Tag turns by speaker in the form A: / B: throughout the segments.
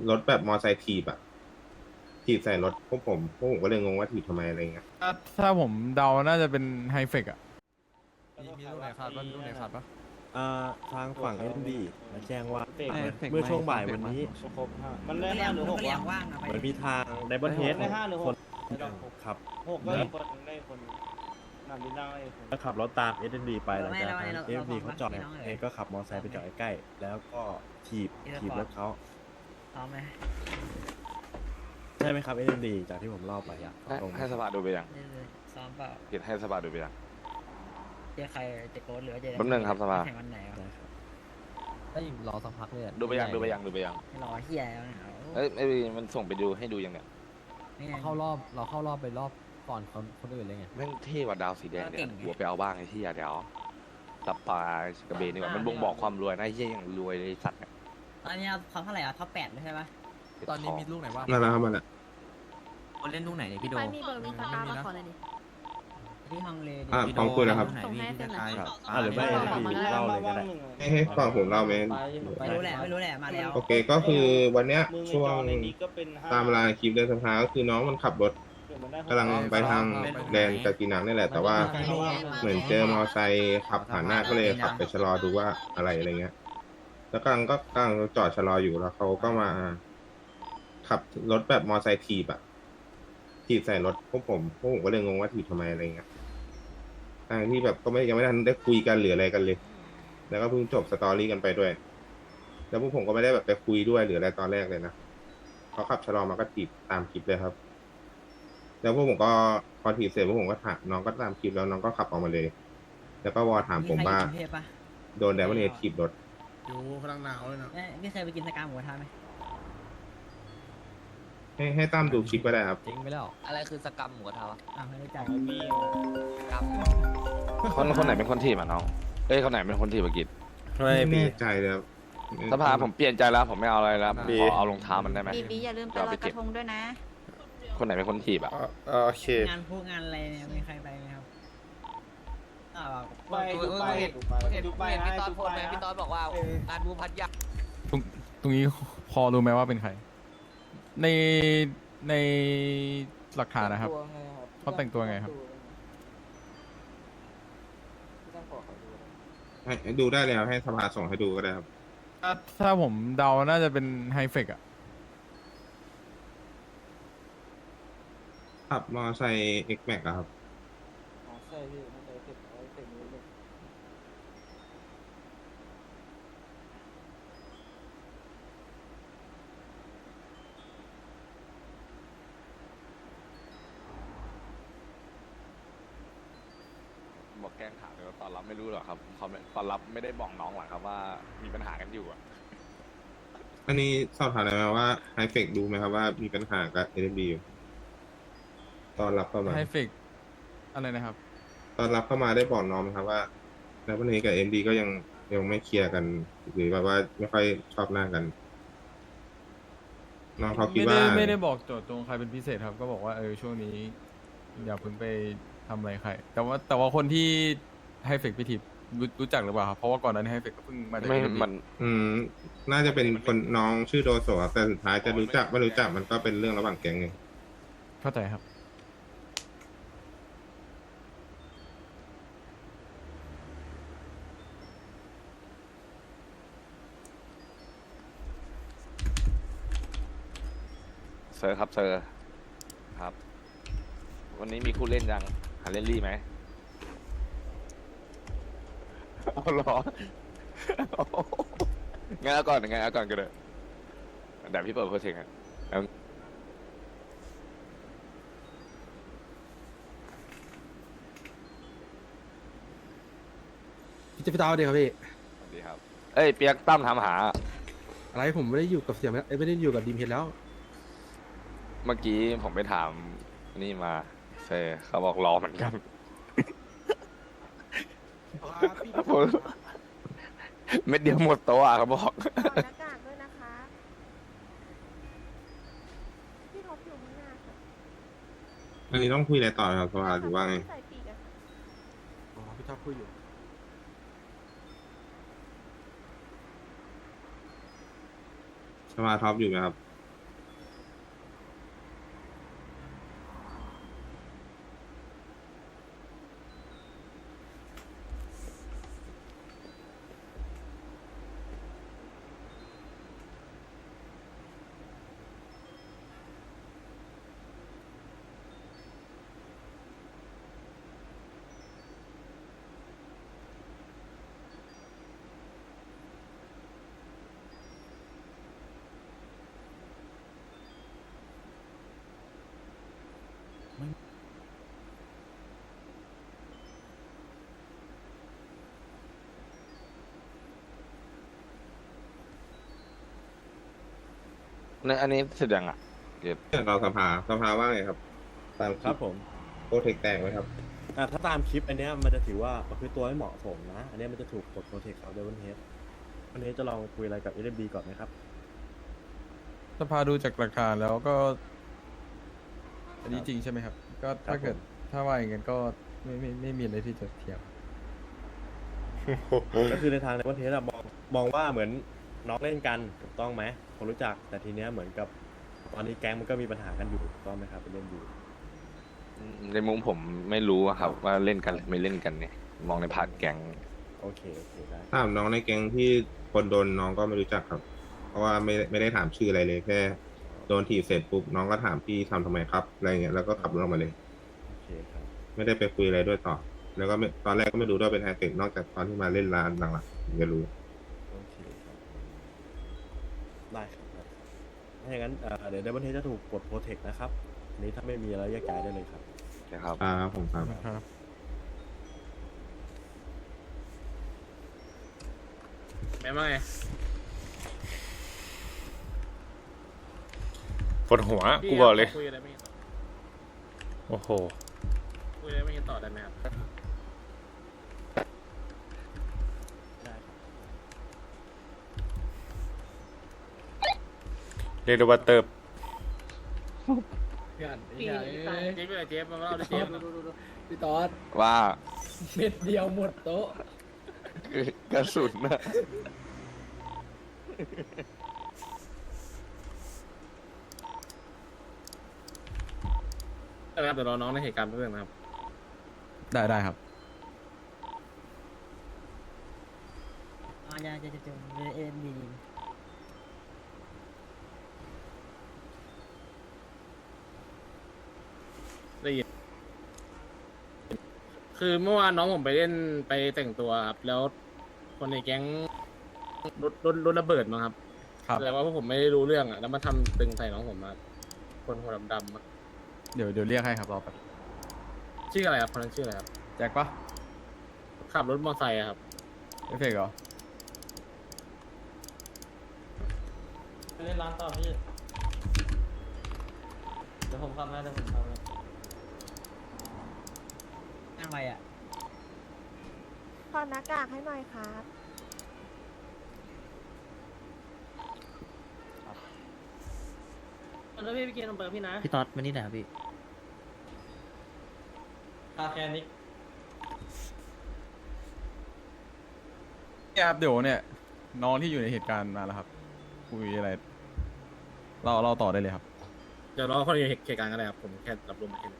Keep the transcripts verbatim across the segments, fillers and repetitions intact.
A: รถแบบมอไซค์ถีบอะถีบใส่รถพวกผมพวกผมก็เลยงงว่าถีบทำไมอะไรเงี้ย
B: ถ้าถ้าผมเดาน่าจะเป็นไฮเฟกอะ
C: มีมีลูกไหนขาดปะมีลูกไหนขาดปะ
D: อ่าทางฝั่งเอ็นดีมาแจ้งว่า
E: เฟก
D: เหมือน
E: เฟก
D: เมื่อช่วง
E: ไม่
D: บ่าย
E: เฟก
D: วัน
E: ไม่
D: นี้
E: ครบห้ามัน
F: ไม่
E: ได้
F: เรีย
E: ห้าก หรือ
F: มัน
E: หก
F: ก็เรียก
E: วะ
F: ว่างนะไป
D: เหมือนมีทางไดบอนเฮด
E: ได้ห้าหรือห
D: ค
E: ก
D: น
E: ได้หก
D: ขับ
E: หกก็อีกคนได้คนนำดินได้อีกคน
D: แล้วขับรถตาม เอส เอ็น ดี ไปหลัง
F: ไม่
D: จาก
F: เรา
D: นั้น
F: เรา
D: เอส เอ็น ดี
F: เรา
D: เขาจอด
F: เราเรา
D: เองก็ขับมอเตอร์ไซค์ไปจอดใกล้ๆแล้วก็ถีบ
F: อีสปอร์ต
D: ถีบรถเขา
F: พร้อมไหม
D: ใช่ไหมครับ เอส เอ็น ดี จากที่ผมเล่าไปอะ
G: ให้
D: ตรง
G: ให้สภาดูไปยัง
F: เรื่อยๆซ้อมเปล่า
G: เห็นให้สภาดูไปยัง
F: เจอใครเจอโค้ดหรือว่าเจอ
G: แป๊บนึงครับสภา
F: แข่งวันไหนวะ
D: ได้ครับ
E: ได้รอสักพักเลย
G: ดูไปยังดูไปยังดูไปยัง
F: ให้รอเฮียแล้วเนี่ย
G: เอ้ยไอ้มันส่งไปดูให้ดูยังเนี่ย
F: ไม่ไง
E: เข้ารอบเราเข้ารอบไปรอบก่อนคนคนอื่นเลยไง
G: แม่งเท่กว่าดาวสีแดงเนี่
F: เก่
G: ย
F: งไง
G: หัวไปเอาบ้างไอ้ที่อย่าเดี๋ยวตับปลากระเบนดีกว่ามันบ่งบอกความรวยนะไอ้เหี้ยอย่างรวยเลยไอ้สัตว์เนี่ย
F: ตอนนี้เขาเท่าไหร่อ่ะท็อปแปดเลยใช่ปะ
E: ตอนนี้มีลูกไหนบ้าง
A: มาแล้วครับมาแล้ว
H: คนเล่นลูกไหนเนี่ยพี่โด
I: ใครมีเบอร์มีสตาร์มาขอหน่อยดิ
F: ที่ฮังเลดิ
A: อ่ะพร้อมคุยแล้วครับ
I: ส่งให้เซ็นหน่อย
D: ครับอ่าหรือไม่ เอส เอ็น ดี เล่าเลยก็ได้
A: ให้ให้ฟังผมเล่าไหม
F: ไม่รู้แหละไม่รู้แหละมาแล้ว
A: โอเคก็คือวันเนี้ย
E: มึงไอ้
A: ช่ว
E: จ
A: ง
E: อในนี้ก็เป็นห้
A: ตามเวลาคลิปเดินสภาก็คือน้องมันขับรถ
E: เดี๋ยวมันได้ห
A: กำลังไปทางแดนกากีนังนี่แหละ แต่ว่าเหมือนเจอมอไซค์ขับผ่านหน้าก็เลยขับไปชะลอดูว่าอะไรอะไรเงี้ย แล้วกำลังก็กำลังจอดชะลออยู่แล้วเขาก็มา ขับรถแบบมอไซค์ถีบอะถีบใส่รถพวกผมพวกผมก็เลยงงว่าถีบทำไมอะไรเงี้ยทางที่แบบก็ไม่ยังไม่ทันได้คุยกันหรืออะไรกันเลย แล้วก็เพิ่งจบสตอรี่กันไปด้วย แล้วพวกผมก็ไม่ได้แบบไปคุยด้วยหรืออะไรตอนแรกเลยนะเขาขับชะลอมาก็ถีบตามคลิปเลยครับ แล้วพวกผมก็พอถีบเสร็จพวกผมก็ถามน้องก็ตามคลิปแล้วน้องก็ขับออกมาเลย แล้วก็วอถามผมว่า
F: ใครอยู่กรุงเทพปะ
A: โดนแดมอนเอทถีบรถ
C: อยู่พลังหนาวเลยนะ
F: เอ้ยนี่เคยไปกินสกาหมูกระทะไหม
A: ให้ให้ตั้มดูคลิปก็ได้ครับ
E: จริงไปแล้ว
H: อะไรคือสกรรมหมูกระทะวะ
F: อ้าวไม่รู้จัก
E: ไอ้บี้
H: สกรรม
G: คนคนไหนเป็นคนทีบอ่ะน้องเอ้ยคนไหนเป็นคนทีบเมื่อกี้
A: ไม่แน่ใจเลยครับ
G: สภาผมเปลี่ยนใจแล้วผมไม่เอาอะไรแล้วผมขอเอารองเท้ามันได้ไหม
I: บีบีอย่าลืมไปลอยกระทงด้วยนะ
G: คนไหนเป็นคนทีบอ่ะ
A: โอเค
F: งานพวกงานอะไรเนี่ยมีใครไปไหมครับอ่า
E: ไปดูไปดูไป
H: เห็น
E: ดูไป
H: เห็น
E: ให้
H: พี่ตอน
E: ดู
H: โพ
E: ไป
H: สต์ไหมพี่ตอนบอกว่างานบูพัทยา
B: ตรงตรงนี้พอรู้ไหมว่าเป็นใคร ในในหลักฐานนะครับ เขาแต่งตัวไงครับ
A: ให้ดูได้เลยครับให้สภาส่งให้ดูก็ได้ครับ
B: ถ้าถ้าผมเดาน่าจะเป็นไฮเฟกอะ
A: ขับมอไซค์ X Max อะครับ
E: ใช่พี่มันจะเสร็จเสร็จนี้เลย
G: บอกแกล้งถามเลยว่าตอนรับไม่รู้หรอกครับเขาไม่ตอนรับไม่ได้บอกน้องหรอกครับว่ามีปัญหากันอยู่อ่ะ
A: อันนี้สอบถามได้ไหมว่าไฮเฟกดูไหมครับว่ามีปัญหากับ เอ เอ็ม ดี อยู่ตอนรับเข้ามา
B: ไฮเฟกอะไรนะครับ
A: ตอนรับเข้ามาได้บอกน้องไหมครับว่าแล้ววันนี้กับ เอ็ม ดี ก็ยังยังไม่เคลียร์กัน หรือแบบว่าไม่ค่อยชอบหน้ากัน น้องเขาคิด
B: ไม่
A: ว่า
B: ได้ไม่ได้บอกโจทย์ตรงใครเป็นพิเศษครับ ก็บอกว่าเออช่วงนี้ อย่าเพิ่งไปทำอะไรใคร แต่ว่าแต่ว่าคนที่ไฮเฟกพิธีรู้รู้จักหรือเปล่าครับเพราะว่าก่อนหนั้นไฮเฟกก็เพิ่งมาจาก
G: ไม่
B: เอ็มดี
G: มัน
A: อืม น่าจะเป็นคนน้องชื่อโดโซครับแต่สุดท้ายจะรู้จักไม่รู้จักมันก็เป็นเรื่องระหว่างแก๊งไง
B: เข้าใจครับ
G: เซอร์ครับเซอร์ครับ วันนี้มีคู่เล่นยังหาเล่นรี่ไหมเอาเหรองั้นเอาก่อนงั้นเอาก่อนก็ได้เดี๋ยวพี่เปิดโพสเทงอ่ะเอา
C: พี่จะพี่ตาเดียวครับพี่
G: สวัสดีครับ เอ้ยเปียกตั้มถามหา
C: อะไรผมไม่ได้อยู่กับเสียงไม่ได้อยู่กับดีมเฮดแล้ว
G: เมื่อกี้ผมไปถามนี่มาเซอร์เขาบอกรอเหมือนกันผมเม็ดเดียวหมดโต๊ะอะเขาบอก
I: ถอดหน้ากากด้วยนะคะ พี่ท็อปอยู่ข้างหน้าค่ะ
A: อันนี้ต้องคุยอะไรต่อครับสภาหรือว่าไง
I: ใส่ปีกอะค่ะ
C: อ๋อ พี่ชอบพูดอยู่
A: สภาท็อปอยู่ไหมครับ
G: ในอันนี้เสร็จยังอ่ะเก็บ
A: เนี่ยเราสภาสภาว่าไงครับ ตาม
D: ครับผม
A: โปรเทคแตกไหมครับ
D: อ่ะถ้าตามคลิปอันเนี้ยมันจะถือว่าประพฤติตัวไม่เหมาะสมนะ อันเนี้ยมันจะถูกกดโปรเทคครับเดวินเฮดวันนี้จะลองคุยอะไรกับเอ เอ็ม บี ก่อนไหมครับ
B: สภาดูจากหลักฐานแล้วก็ อันนี้จริงใช่ไหมครับ ก็ถ้าเกิด
D: ผม
B: ถ้าว่าอย่างนั้นก็ไม่ไม่ไม่มีอะไรที่จะเทียบ
D: ก็คือในทางในวันเทสอะมองมองว่าเหมือนน้องเล่นกันถูกต้องไหมคนรู้จักแต่ทีเนี้ยเหมือนกับตอนนี้แก๊งมันก็มีปัญหากันอยู่ถูกต้องไหมครับเป็นเล่นอยู่
G: ในมุมผมไม่รู้อะครับ ว่าเล่นกันหรือไม่เล่นกันเนี่ย มองในพาร์ทแก๊ง
D: โอเคโอเคได้
A: ถามน้องในแก๊งที่คนโดนน้องก็ไม่รู้จักครับ เพราะว่าไม่ไม่ได้ถามชื่ออะไรเลยแค่โดนถีบเสร็จปุ๊บน้องก็ถามพี่ทำทำไมครับอะไรเงี้ยแล้วก็ขับรถออกมาเลย
D: โอเคครับ
A: ไม่ได้ไปคุยอะไรด้วยต่อ แล้วก็ไม่ตอนแรกก็ไม่รู้ด้วยเป็นไฮเทคนอกจากตอนที่มาเล่นร้านหลังๆถึงจะรู้
D: โอเคครับได้ครับได้ครับถ้าอย่างนั้นเอ่อเดี๋ยวเดวินเทสจะถูกกดโปรเทคนะครับอันนี้ถ้าไม่มีอะไรแยกย้ายได้เลยครับ
G: นะครับ
A: อ่าผมครับ
B: นะครับ
E: แม่ว่าไง
J: ปวดหัว กูบอกเลย
E: คุยอะไรไม่เห็นต่อ
J: โอ้โห
E: คุยอะไรไม่เห็นต่อได้ไหมครับ
D: ได้ครับ
J: เรียกได้ว่าเติบ
E: พี่อ่านพี่อ่านเจ๊ไปเลยเจ๊มาเล่าเลยเจ๊
F: พี่ตอด
G: ว่า
F: เม็ดเดียวหมดโต๊ะ
G: กระสุนนะ
E: นะครับเดี๋ยวรอน้องในเหตุการณ์เพื่อนนะครับ
B: ได้ได้ครับ
F: อ๋อจะจะจะจะเอ็มบี
E: ได้ยินคือเมื่อวานน้องผมไปเล่นไปแต่งตัวครับแล้วคนในแก๊งรถรถรถระเบิดมาครับ
B: ครับ
E: แต่ว่าพวกผมไม่ได้รู้เรื่องอ่ะแล้วมาทำตึงใส่น้องผมมาคนหัวดำๆอะ
B: เดี๋ยวเดี๋ยวเรียกให้ครับรอแป๊บ
E: ชื่ออะไรครับคนนั้นชื่ออะไรครับ
B: แจ็คปะ
E: ขับรถมอเตอร์ไซค์อะครับ
B: เอฟเฟกต์เหรอ
E: ไปเล่นร้านต่อพี่เดี๋ยวผมทำให้เดี๋ยวผมทำให้
F: นั่งไปอ่ะ
I: ถอดหน้ากากให้หน่อยครับ
E: แล้วพี่ไปกินนมเบอร์พี่นะ
F: พี่ตอดมานี่หน่อยครับพี่
E: คาแคนิก
B: เนี่ยครับเดี๋ยวเนี่ยน้องที่อยู่ในเหตุการณ์มาแล้วครับ คุยอะไร เราเราต่อได้เลยครับ
E: เดี๋ยวรอคนอยู่เหตุการณ์กันเลยครับผมแค่รับรู้มาแค่นี้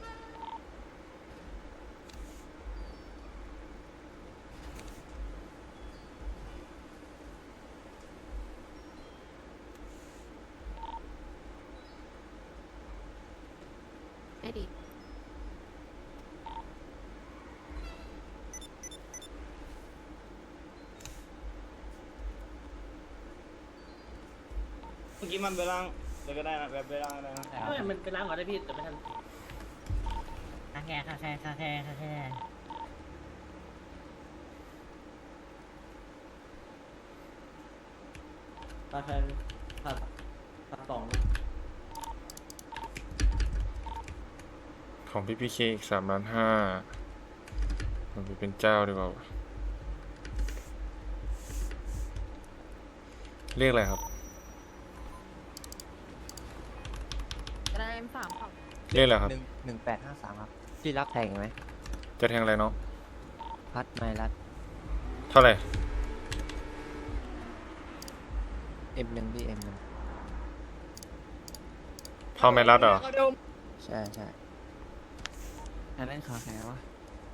I: ได้ดิ
E: เมื่อกี้มันไปล้างเลยก็ได้นะแบบไปล้างได้นะ
F: เฮ้ยมันไปล้างก่อนได้พี่แต่ไม่ทันคาแคร์คาแคร์คาแคร์คาแคร์คาแคร์ผัดผัดสอง
J: ของพี่พีเคอีกสามล้านห้ามันไปเป็นเจ้าดีกว่าวะเรียกอะไรครับ
I: ได้เอ็มสามครับ
J: เรียกอะไรครับ
H: หนึ่งหนึ่งแปดห้าสามครับพี่รับแทงไหม
J: จะแทงอะไรเนาะ
H: พัดไม่รัด
J: เท่าไหร่
H: เอ็มหนึ่งพี่เอ็มหนึ่ง
J: เท่าไม่รัดเหรอ
H: ใช่ใช่อันนั้นคาแคร์วะ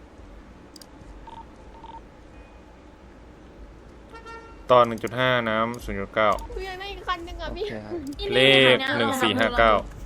J: ตอน หนึ่งจุดห้า น้ำ ศูนย์จุดเก้า
I: คุยยังได้อีกคันหนึ่งอ่ะพี่
H: โอเคครับ
J: เลข หนึ่งสี่ห้าเก้า